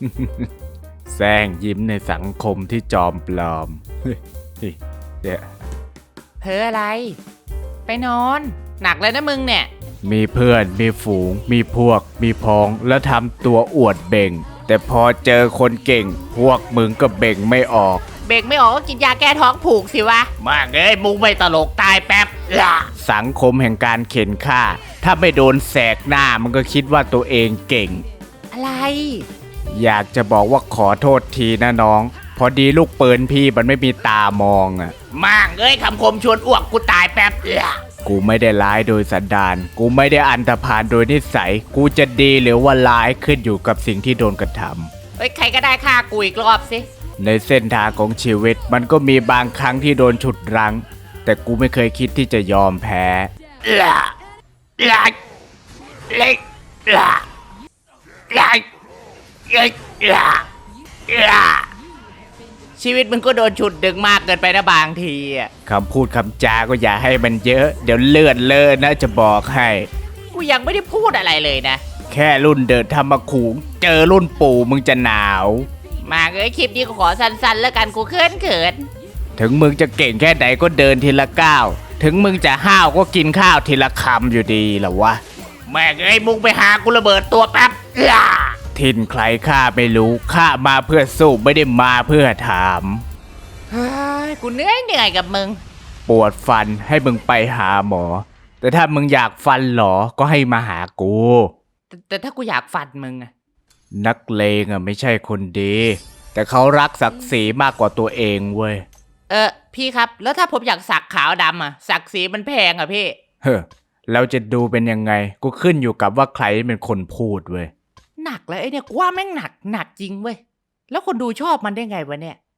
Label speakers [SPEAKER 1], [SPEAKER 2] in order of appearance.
[SPEAKER 1] แซงยิ้มในสังคมที่จอมปลอมเนี่ย
[SPEAKER 2] เพ้ออะไรไปนอนหนักเลยนะมึงเนี่ย
[SPEAKER 1] มีเพื่อนมีฝูงมีพวกมีพ้องแล้วทำตัวอวดเบ่งแต่พอเจอคนเก่งพวกมึงก็เบ่งไม่ออก
[SPEAKER 2] เบรกไม่ออกก็กินยาแก้ท้องผูกสิวะ
[SPEAKER 3] มากเลยมุงไม่ตลกตายแป๊บล่ะ
[SPEAKER 1] สังคมแห่งการเข็นฆ่าถ้าไม่โดนแสกหน้ามันก็คิดว่าตัวเองเก่ง
[SPEAKER 2] อะไร
[SPEAKER 1] อยากจะบอกว่าขอโทษทีนะน้องพอดีลูกปืนพี่มันไม่มีตามองอ่ะ
[SPEAKER 3] มากเลยคำคมชวนอ้วกกูตายแป๊บล่ะ
[SPEAKER 1] กูไม่ได้ร้ายโดยสันดานกูไม่ได้อันธพาลโดยนิสัยกูจะดีหรือว่าร้ายขึ้นอยู่กับสิ่งที่โดนกระทำ
[SPEAKER 2] เฮ้ยใครก็ได้ฆ่ากูอีกรอบสิ
[SPEAKER 1] ในเส้นทางของชีวิตมันก็มีบางครั้งที่โดนฉุดรั้งแต่กูไม่เคยคิดที่จะยอมแพ้
[SPEAKER 3] ล่ะล่ะเล็กล่ะล่ะเล็กล่ะล่ะ
[SPEAKER 2] ชีวิตมึงก็โดนฉุดดึงมากเกินไปนะบางทีอ่ะ
[SPEAKER 1] คำพูดคำจาก็อย่าให้มันเยอะเดี๋ยวเลือดเลอะนะจะบอกให้
[SPEAKER 2] กูยังไม่ได้พูดอะไรเลยนะ
[SPEAKER 1] แค่รุ่นเดินธรรมคูงเจอรุ่นปู่มึงจะหนาว
[SPEAKER 2] มาเอ้ยคลิปนี้ก็ขอสั้นๆแล้วกันกูเขิน
[SPEAKER 1] ถึงมึงจะเก่งแค่ไหนก็เดินทีละก้าวถึงมึงจะห้าวก็กินข้าวทีละคำอยู่ดีล่ะวะ
[SPEAKER 3] แม่เอ้ยมุงไปหากูระเบิดตัวแป๊บล่ะ
[SPEAKER 1] ถิ่นใครข้าไม่รู้ข้ามาเพื่อสู้ไม่ได้มาเพื่อถาม
[SPEAKER 2] เฮ้ยกูเหนื่อยกับมึง
[SPEAKER 1] ปวดฟันให้มึงไปหาหมอแต่ถ้ามึงอยากฟันหรอก็ให้มาหากู
[SPEAKER 2] แต่ถ้ากูอยากฟันมึงอะ
[SPEAKER 1] นักเลงอะไม่ใช่คนดีแต่เขารักศักดิ์ศรีมากกว่าตัวเองเว้ย
[SPEAKER 2] พี่ครับแล้วถ้าผมอยากสักขาวดำอะศักดิ์ศรีมันแพงอะพี่
[SPEAKER 1] เฮ้อเราจะดูเป็นยังไงกูขึ้นอยู่กับว่าใครเป็นคนพูดเว้ย
[SPEAKER 2] หนักแล้วไอ้เนี่ยกูว่าแม่งหนักจริงเว้ยแล้วคนดูชอบมันได้ไงวะเนี่ย